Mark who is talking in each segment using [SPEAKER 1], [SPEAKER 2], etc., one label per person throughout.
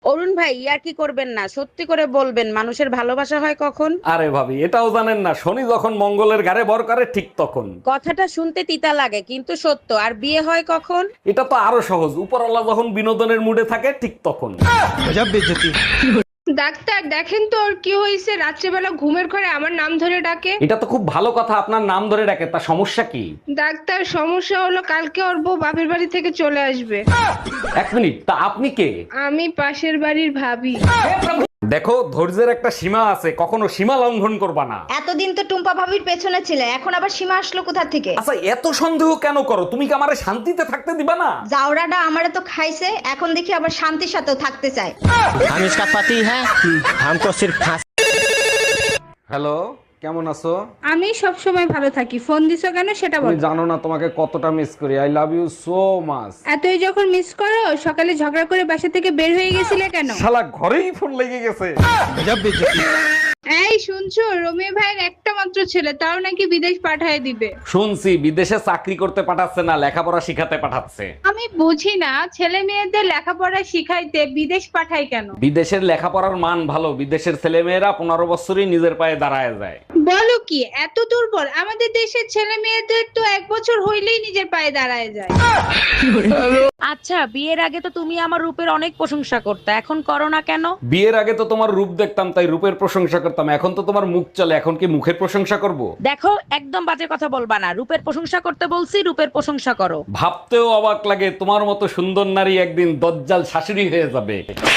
[SPEAKER 1] অরুণ ভাই ইয়ার কি করবেন না, সত্যি করে বলবেন মানুষের ভালোবাসা হয় কখন?
[SPEAKER 2] আরে ভাবি, এটাও জানেন না? শনি যখন মঙ্গলের ঘাড়ে ভর করে ঠিক তখন।
[SPEAKER 1] কথাটা শুনতে তিতা লাগে কিন্তু সত্য। আর বিয়ে হয় কখন?
[SPEAKER 2] এটা তো আরো সহজ, উপরওয়ালা যখন বিনোদনের মুডে থাকে ঠিক তখন।
[SPEAKER 3] ডাক্তার দেখেন তো ওর কি হয়েছে, রাত্রেবেলা ঘুমের ঘরে আমার নাম ধরে ডাকে।
[SPEAKER 2] এটা তো খুব ভালো কথা, আপনার নাম ধরে ডাকে, তা সমস্যা কি?
[SPEAKER 3] ডাক্তার সমস্যা হলো কালকে ওর বউ বাপের বাড়ি থেকে চলে আসবে।
[SPEAKER 2] এক মিনিট, তা আপনি কে?
[SPEAKER 3] আমি পাশের বাড়ির ভাবি।
[SPEAKER 2] দেখো, ধৈর্যের একটা সীমা আছে, কখনো সীমা লঙ্ঘন করবা না।
[SPEAKER 4] এতদিন তো টুম্পা ভাবির পেছনে ছিলে, এখন আবার সীমা আসলো কোথা থেকে?
[SPEAKER 2] আচ্ছা, এত সন্দেহ কেন করো? তুমি কি আমারে শান্তিতে থাকতে দিবা না?
[SPEAKER 4] জাউরাটা আমারে তো খাইছে, এখন দেখি আবার শান্তির সাথেও থাকতে চায়।
[SPEAKER 5] हम इसका पति है, हमको सिर्फ फांसी।
[SPEAKER 2] হ্যালো, কেমন আছো?
[SPEAKER 3] আমি সব সময় ভালো থাকি, ফোন দিছো কেন সেটা
[SPEAKER 2] তুমি
[SPEAKER 3] বলো।
[SPEAKER 2] জানো না তোমাকে কতটা মিস করি। I love you so much.
[SPEAKER 3] এতই যখন মিস করো, সকালে ঝগড়া করে বাসা থেকে বের হয়ে গেছিলে কেন?
[SPEAKER 2] শালা ঘরেই ফোন লেগে গেছে।
[SPEAKER 3] এই শুনছো, রমি ভাইয়ের একটা মাত্র ছেলে, তাও নাকি বিদেশ পাঠায় দিবে।
[SPEAKER 2] শুনছি বিদেশে চাকরি করতে পাঠাচ্ছে না, লেখাপড়া শিখাতে পাঠাচ্ছে।
[SPEAKER 3] আমি বুঝি না, ছেলে মেয়েদের লেখাপড়া শিখাইতে বিদেশ পাঠায় কেন?
[SPEAKER 2] বিদেশের লেখাপড়ার মান ভালো, বিদেশের ছেলেমেয়েরা 15 বছরই নিজের পায়ে দাঁড়ায় যায়।
[SPEAKER 3] বলো কি, এত দুর্বল? আমাদের দেশের ছেলে মেয়েদের তো 1 বছর হইলেই নিজের পায়ে দাঁড়ায় যায়।
[SPEAKER 1] আচ্ছা, বিয়ের আগে তো তুমি আমার রূপের অনেক প্রশংসা করতে, এখন করো না কেন?
[SPEAKER 2] বিয়ের আগে তো তোমার রূপ দেখতাম, তাই রূপের প্রশংসা করতাম। এখন তো তোমার মুখ চলে, এখন কি মুখের প্রশংসা করব?
[SPEAKER 1] দেখো, একদম বাজে কথা বলবা না। রূপের প্রশংসা করতে বলছি, রূপের প্রশংসা করো।
[SPEAKER 2] ভাবতেও অবাক লাগে, তোমার মতো সুন্দর নারী একদিন দজ্জাল শাশুড়ি হয়ে যাবে।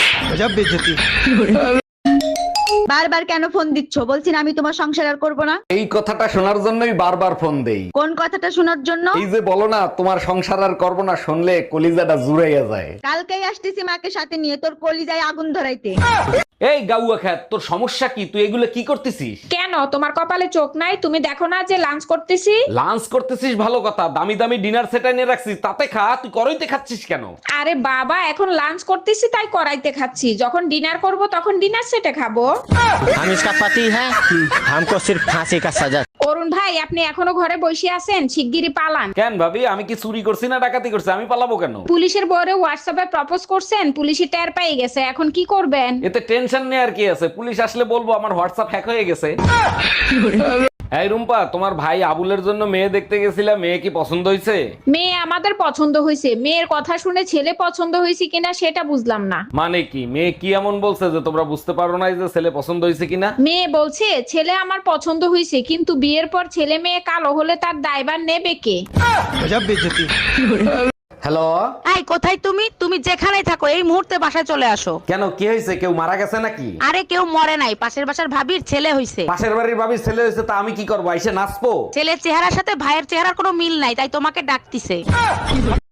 [SPEAKER 4] বারবার কেন ফোন দিচ্ছ? বলছি না আমি তোমার সংসার আর করবো না।
[SPEAKER 2] এই কথাটা শোনার জন্যই বারবার ফোন দেই।
[SPEAKER 4] কোন কথাটা শোনার জন্য?
[SPEAKER 2] এই যে বলো না তোমার সংসার আর করবো না, শুনলে কলিজাটা জুড়াইয়া যায়।
[SPEAKER 4] কালকেই আসতেছি মাকে সাথে নিয়ে, তোর কলিজায় আগুন ধরাইতে।
[SPEAKER 2] এই গাউয়া খ্যাত, তোর সমস্যা কি? তুই এগুলো কি করতেছিস?
[SPEAKER 3] কেন, তোমার কপালে চোখ নাই? তুমি দেখো না যে লাঞ্চ করতেছি?
[SPEAKER 2] লাঞ্চ করতেছিস ভালো কথা, দামি দামি ডিনার সেট এনে রাখছিস, তাতে খা। তুই করইতে খাচ্ছিস কেন?
[SPEAKER 3] আরে বাবা, এখন লাঞ্চ করতেছি তাই করাইতে খাচ্ছি, যখন ডিনার করব তখন ডিনার সেটে খাবো।
[SPEAKER 5] हम इसका पति है, हमको सिर्फ फांसी का सजा।
[SPEAKER 3] অরুণ ভাই, আপনি এখনো ঘরে বসে আছেন? শিগগিরই পালান।
[SPEAKER 2] কেন ভাবি, আমি কি চুরি করছি না ডাকাতি করছি? আমি পালাবো কেন?
[SPEAKER 3] পুলিশের বরে হোয়াটসঅ্যাপে প্রপোজ করছেন, পুলিশই টের পেয়ে গেছে, এখন কি করবেন?
[SPEAKER 2] এতে টেনশন নেই আর কি আছে, পুলিশ আসলে বলবো আমার হোয়াটসঅ্যাপ হ্যাক হয়ে গেছে। এই রুম্পা, তোমার ভাই আবুলের জন্য মেয়ে দেখতে গেছিলাম, মেয়ে কি পছন্দ হয়েছে?
[SPEAKER 3] মেয়ে আমাদের পছন্দ হয়েছে, মেয়ের কথা শুনে ছেলে পছন্দ হয়েছে কিনা সেটা বুঝলাম না।
[SPEAKER 2] মানে কি, মেয়ে কি এমন বলছে যে তোমরা বুঝতে পারো না যে ছেলে পছন্দ হয়েছে কিনা?
[SPEAKER 3] মেয়ে বলছে ছেলে আমার পছন্দ হয়েছে, কিন্তু বিয়ের পর ছেলে মেয়ে কালো হলে তার দায়ভার নেবে কে?
[SPEAKER 2] হ্যালো।
[SPEAKER 1] এই কোথায় তুমি? তুমি যেখানেই থাকো এই মুহূর্তে বাসায় চলে আসো।
[SPEAKER 2] কেন, কি হয়েছে? কেউ মারা গেছে নাকি?
[SPEAKER 1] আরে কেউ মরে নাই, পাশের বাসার ভাবির ছেলে হইছে।
[SPEAKER 2] পাশের বাড়ির ভাবির ছেলে হয়েছে, তা আমি কি করবো? এসে নাচবো?
[SPEAKER 1] ছেলের চেহারার সাথে ভাইয়ের চেহারার কোনো মিল নাই, তাই তোমাকে ডাকতিছে।